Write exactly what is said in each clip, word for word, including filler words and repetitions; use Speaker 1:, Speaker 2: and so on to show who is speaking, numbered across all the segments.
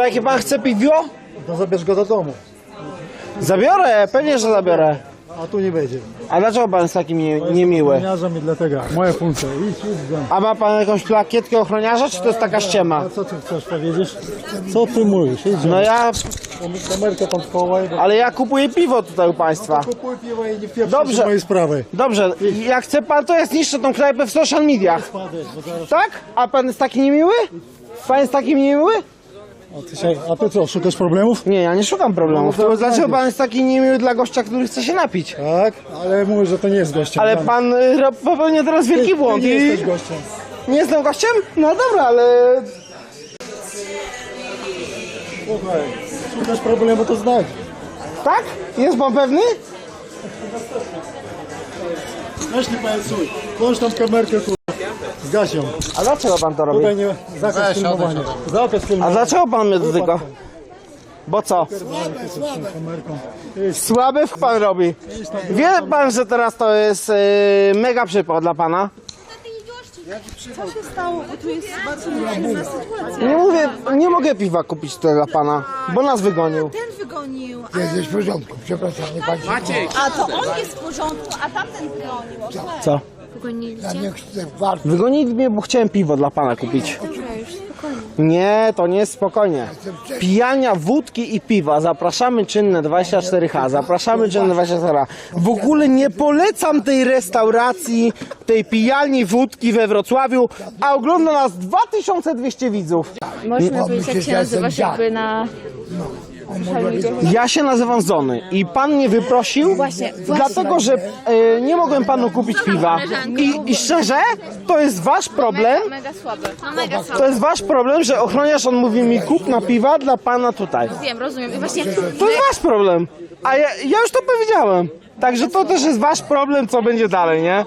Speaker 1: To jakie pan chce piwo?
Speaker 2: To zabierz go do domu,
Speaker 1: Zabiorę, pewnie, że zabiorę.
Speaker 2: a tu nie będzie.
Speaker 1: A dlaczego pan jest taki nie, niemiły?
Speaker 2: Ochroniarzem i dlatego. Moja funkcja. Idź, idź z domu.
Speaker 1: A ma pan jakąś plakietkę ochroniarza, czy to jest taka ściema?
Speaker 2: A co ty chcesz powiedzieć? Co ty mówisz? Idź.
Speaker 1: No ja,
Speaker 2: Kamerkę tam schowaj. Bo...
Speaker 1: ale ja kupuję piwo tutaj u państwa.
Speaker 2: Kupuj piwo i nie wpieprz
Speaker 1: Dobrze.
Speaker 2: mojej sprawy.
Speaker 1: Dobrze, jak chce pan, to ja zniszczę tą knajpę w social mediach.
Speaker 2: Spadek, bo zaraz...
Speaker 1: Tak? A pan jest taki niemiły? Pan jest taki niemiły?
Speaker 2: A ty, się... A ty co, szukasz problemów?
Speaker 1: Nie, ja nie szukam problemów.
Speaker 2: No to
Speaker 1: To dlaczego
Speaker 2: znajdziesz.
Speaker 1: pan jest taki niemiły dla gościa, który chce się napić?
Speaker 2: Tak, ale mówisz, że to nie jest gościem.
Speaker 1: Ale
Speaker 2: Tam.
Speaker 1: pan y, ro- popełnia teraz
Speaker 2: ty,
Speaker 1: wielki
Speaker 2: ty
Speaker 1: błąd
Speaker 2: nie
Speaker 1: i...
Speaker 2: jesteś gościem.
Speaker 1: Nie jestem gościem? No dobra, ale...
Speaker 2: Słuchaj, szukasz problemu, to znajdź.
Speaker 1: Tak? Jest pan pewny?
Speaker 2: Weź nie pajacuj. Włącz tam kamerkę, kurwa. Zgaś ją.
Speaker 1: A dlaczego pan to robi?
Speaker 2: Tutaj nie... Zakaz filmowania. Zakaz
Speaker 1: A
Speaker 2: filmowania.
Speaker 1: dlaczego pan mnie dotyka? Bo co?
Speaker 2: Kamerką.
Speaker 1: Słaby w pan robi. Wie pan, że teraz to jest y, mega przypał dla pana?
Speaker 3: Co się stało? Bo tu jest bardzo niepewna sytuacja.
Speaker 1: Nie mówię, nie mogę piwa kupić tutaj dla pana, bo nas wygonił.
Speaker 3: Ten wygonił.
Speaker 4: Jesteś w porządku, przepraszam, nie pani.
Speaker 3: A to on jest w porządku, a tamten wygonił. O, słuchaj.
Speaker 1: Co?
Speaker 4: Ja nie chcę warto.
Speaker 1: Wygonili mnie, bo chciałem piwo dla pana kupić. Nie, to nie jest spokojnie. Pijania wódki i piwa. Zapraszamy czynne dwadzieścia cztery H. Zapraszamy czynne dwadzieścia cztery H. W ogóle nie polecam tej restauracji, tej pijalni wódki we Wrocławiu, a ogląda nas dwa tysiące dwieście widzów.
Speaker 5: Możemy powiedzieć, jak się nazywasz jakby na...
Speaker 1: Ja się nazywam Zony i pan mnie wyprosił,
Speaker 5: Właśnie, właśnie.
Speaker 1: dlatego że e, nie mogłem panu kupić piwa. I, I szczerze, to jest wasz problem.
Speaker 5: Mega słabe. No mega
Speaker 1: To
Speaker 5: słabe.
Speaker 1: jest wasz problem, że ochroniarz on mówi mi kup na piwa dla pana tutaj.
Speaker 5: Wiem, rozumiem. I właśnie
Speaker 1: To jest wasz problem. A ja, ja już to powiedziałem. Także to też jest wasz problem, co będzie dalej, nie?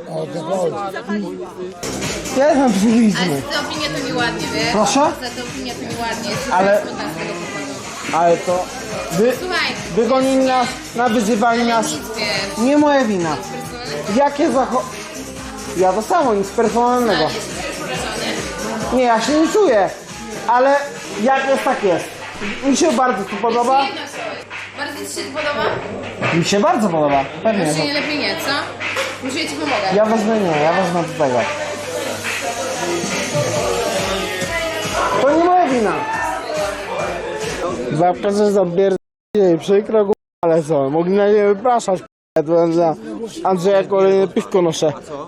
Speaker 1: Ja jestem psychiczny.
Speaker 6: Za tę opinię to mi ładnie, wiesz?
Speaker 1: Proszę?
Speaker 6: Za tę opinię to mi ładnie. Jest
Speaker 1: Ale-
Speaker 6: smutna z tego powodu.
Speaker 1: Ale to... Wy,
Speaker 6: Słuchaj,
Speaker 1: wygonili nas, nawyzywali nas.
Speaker 6: nic wiesz.
Speaker 1: Nie moja wina. Jakie zacho... Ja to samo, nic personalnego.
Speaker 6: Jesteś przerażony?
Speaker 1: Nie, ja się nie czuję. Ale jak jest, tak jest. Mi się bardzo tu podoba.
Speaker 6: Jedno coś. Bardzo ci się podoba?
Speaker 1: Mi się bardzo podoba. Pewnie.
Speaker 6: Może nie lepiej nie, co? Może ja ci pomogę.
Speaker 1: Ja wezmę nie, ja wezmę do tego. To nie moja wina. Zapraszam za pierdolenie, przykro, ale co, mogli na nie wypraszać. Ja tu dla Andrzeja kolejne piwko noszę.